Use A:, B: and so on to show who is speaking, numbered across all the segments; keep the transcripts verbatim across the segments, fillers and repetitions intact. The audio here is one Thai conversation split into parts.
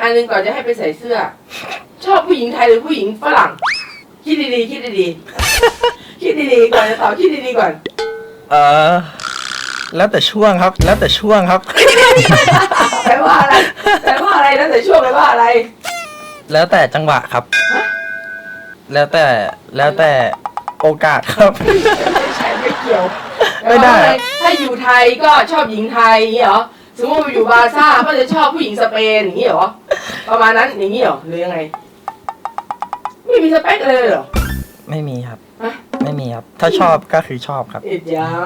A: อันนึงก่อนจะให้ไปใส่เสื้อ ชอบผู้หญิงไทยหรือผู้หญิงฝรั่งคิดดีๆคิดดีๆคิดดีๆก่อนจะตอบคิดดีๆก่อน
B: เออแล้วแต่ช่วงครับ แล้วแต่ช่วงครับ
A: แปลว่าอะไรแปลว่าอะไรแล้วแต่ช่วงแปลว่าอะไร
B: แล้วแต่จังหวะครับแล้วแต่แล้วแต่โอกาสครับ
A: ไม่ใช่ไม่เกี่ยวไม่ได้ถ้าอยู่ไทยก็ชอบหญิงไทยอย่างนี้เหรอสมมติไปอยู่บาซ่าก็จะชอบผู้หญิงสเปนอย่างนี้เหรอประมาณนั้นอย่างนี้เหรอหรือยังไงไม่มีสเปคเลยเหรอ
B: ไม่มีครับไม่มีครับถ้าชอบก็คือชอบครับ
A: เอ็ดยา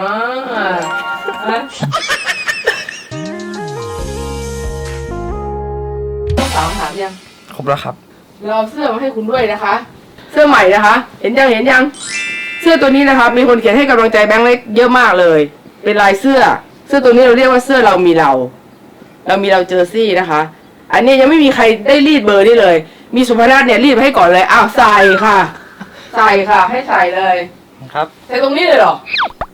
A: ต้องสาวถามยัง
B: ครบแล้วครับ
A: เราเสื้อมาให้คุณด้วยนะคะเสื้อใหม่นะคะเห็นยังเห็นยังเสื้อตัวนี้นะครับมีคนเขียนให้กำลังใจแบงค์เล็กเยอะมากเลยเป็นลายเสื้อเสื้อตัวนี้เราเรียกว่าเสื้อเรามีเราเรามีเราเจอซี่นะคะอันนี้ยังไม่มีใครได้รีดเบอร์นี่เลยมีสุภนาถเนี่ยรีดให้ก่อนเลยอ้าวใส่ค่ะใส่ค่ะให้ใส่เลย
B: ครับ
A: ใส่ตรงนี้เลยเหรอ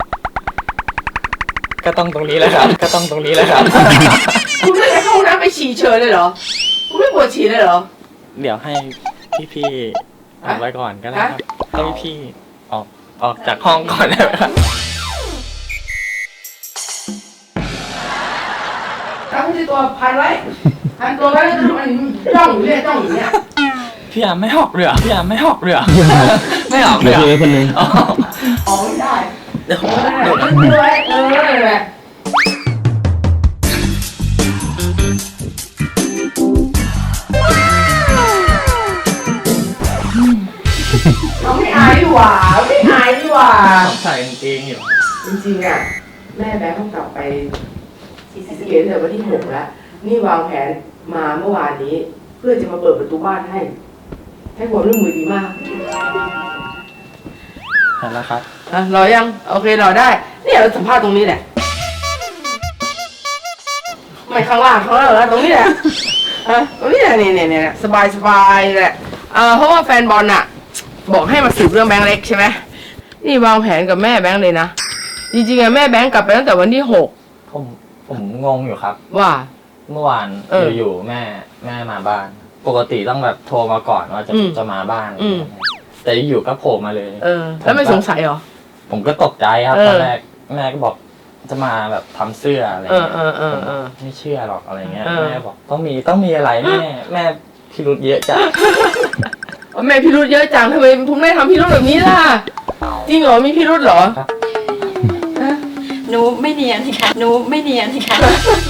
B: ก็ต้องตรงนี้แหละครับก็ต้องตรงนี้แหละครับ
A: คุณไม่ได้เข้าห้องน้ำไปฉี่เฉยเลยเหรอคุณไม่ปวดฉี่เลยเหรอ
B: เดี๋ยวให้พี่ๆเอาไว้ก่อนก็ได้ครับให้พี่ออกออกจากห้องก่อนได้ไหมครับ
A: ตั้งที่ตัวพันไว้พันตัวไว้แล้วมันจ้องอยู่เนี่ยจ้องอยู่เนี่ย
B: พี่อาไม่หอกเรือพี่อาไม่หอกเรือไม่หอกเรือ
C: พี่คนนึง
A: อ๋อไม่ได้เดี๋ยวเดี๋ยวตั้งไว้เออแหละเราไม่อายดีกว่าไม่อายดีกว่า
B: ใส่กางเกงอยู่
A: จริงๆอ่ะแม่แบงค์ต้องกลับไปซีซีเกตแต่วันที่หกแล้วนี่วางแผนมาเมื่อวานนี้เพื่อจะมาเปิดประตูบ้านให้ให้ความร่วมมือดีมาก
B: เห็นแล้วครับ
A: อ่ะรอยังโอเครอได้เนี่ยเราสัมภาษณ์ตรงนี้แหละไม่ข้างล่างข้างล่างแล้วตรงนี้แหละอ่ะตรงนี้แหละนี่เนี่ยเนี่ยสบายสบายแหละอ่าเพราะว่าแฟนบอลน่ะบอกให้มาสืบเรื่องแบงค์เล็กใช่ไหมนี่วางแผนกับแม่แบงค์เลยนะจริงๆอะแม่แบงค์กลับไปตั้งแต่วันที่หก
B: ผมผมงงอยู่ครับ
A: ว่า
B: เมื่อวานอยู่ๆแม่แม่มาบ้านปกติต้องแบบโทรมาก่อนว่าจะจะมาบ้านแต่อยู่ก็โผล่มาเลย
A: เออแล้วไม่สงสัยเหรอ
B: ผมก็ตกใจครับตอนแรกแม่ก็บอกจะมาแบบทำเสื้ออะไรเงี้ยไม่เชื่อหรอกอะไรเงี้ยแม่บอกต้องมีต้องมีอะไรแม่แม่พิรุธเยอะจัง
A: แม่พิรุธเยอะจังทำไมคุณแม่ทำพิรุธแบบนี้ล่ะจริงเหรอมีพิรุธเหรอ
D: หนูไม่เนียนค่ะหนูไม่เนียนค่ะ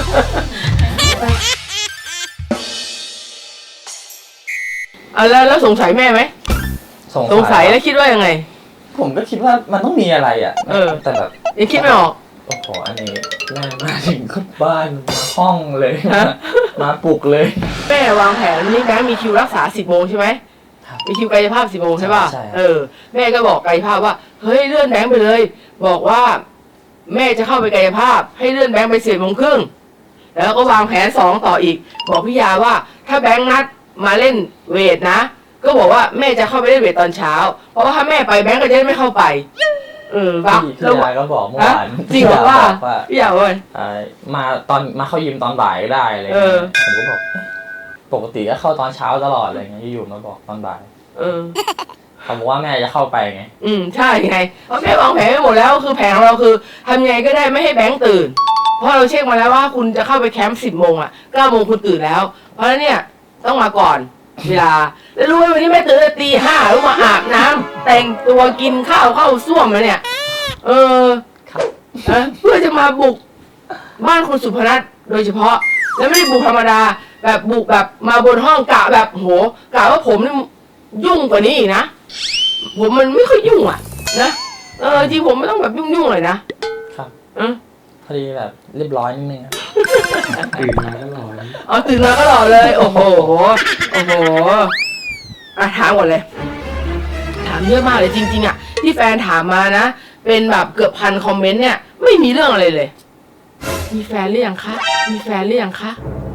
A: อ่ะแล้วแล้วสงสัยแม่ไหมสงสัยแล้วคิดว่ายังไง
B: ผมก็คิดว่ามันต้องมีอะไรอ่ะ
A: เออ
B: แต่แบบ
A: ยังคิดไม่ออก
B: โอ้โหอันนี้แม่มาถึงบ้านมาห้องเลยมาปลุกเลย
A: แม่วางแผนวันนี้แบงค์มีคิวรักษาสิบโมงใช่ไหมมีคิวกายภาพสิบโมงใช่ป่ะเออแม่ก็บอกกายภาพว่าเฮ้ยเลื่อนแบงค์ไปเลยบอกว่าแม่จะเข้าไปกายภาพให้เลื่อนแบงค์ไปสิบโมงครึ่งแล้วก็วางแผนสองต่ออีกบอกพี่ยาว่าถ้าแบงค์นัดมาเล่นเวทนะก็บอกว่าแม่จะเข้าไปเล่นเวทตอนเช้าเพราะว่าถ้าแม่ไปแบงค์ก็จะไม่เข้าไปเออ
B: ว่าพี่ยาก็บอกเมื่อวาน
A: จริงเหรอว่าพี่ยาว่า
B: มาตอนมาเข้ายิมตอนบ่ายก็ได้เลยผมก็บอกปกติก็เข้าตอนเช้าตลอดอะไรเงี้ยอยู่มาบอกตอนบ่าย
A: เออ
B: เขาบอกว่าแม่จะเข้าไปไง
A: อืมใช่ไงเพราะแม่วางแผนไว้หมดแล้วคือแผนของเราคือทำยังไงก็ได้ไม่ให้แบงค์ตื่นเพราะเราเช็คมาแล้วว่าคุณจะเข้าไปแคมป์สิบโมงอ่ะเก้าโมงคุณตื่นแล้วเพราะฉะนั้นเนี่ยต้องมาก่อนเวลาแล้วรู้ไหมวันนี้แม่ตื่นตีห้าแล้วมาอาบน้ำแต่งตัวกินข้าวเข้าส้วมมาเนี่ยเออเพื่อจะมาบุกบ้านคุณสุพนัทโดยเฉพาะแล้วไม่ได้บุกธรรมดาแบบบุกแบบมาบนห้องกะแบบโหกะว่าผมนี่ยุ่งกว่านี้อีกนะผมมันไม่ค่อยยุ่งอ่ะนะเออจริงผมไม่ต้องแบบยุ่งๆเลยนะครับเออ
B: พอดีแบบเรียบร้อยนิดนึง
C: ตื่นมาก็หล่อ
A: อ๋อตื่นมาก็หล่อเลยโอ้โหโอ้โหอ่ะถามก่อนเลยถามเยอะมากเลยจริงๆอ่ะที่แฟนถามมานะเป็นแบบเกือบพันคอมเมนต์เนี่ยไม่มีเรื่องอะไรเลยมีแฟนหรือยังคะมีแฟนหรือยังคะ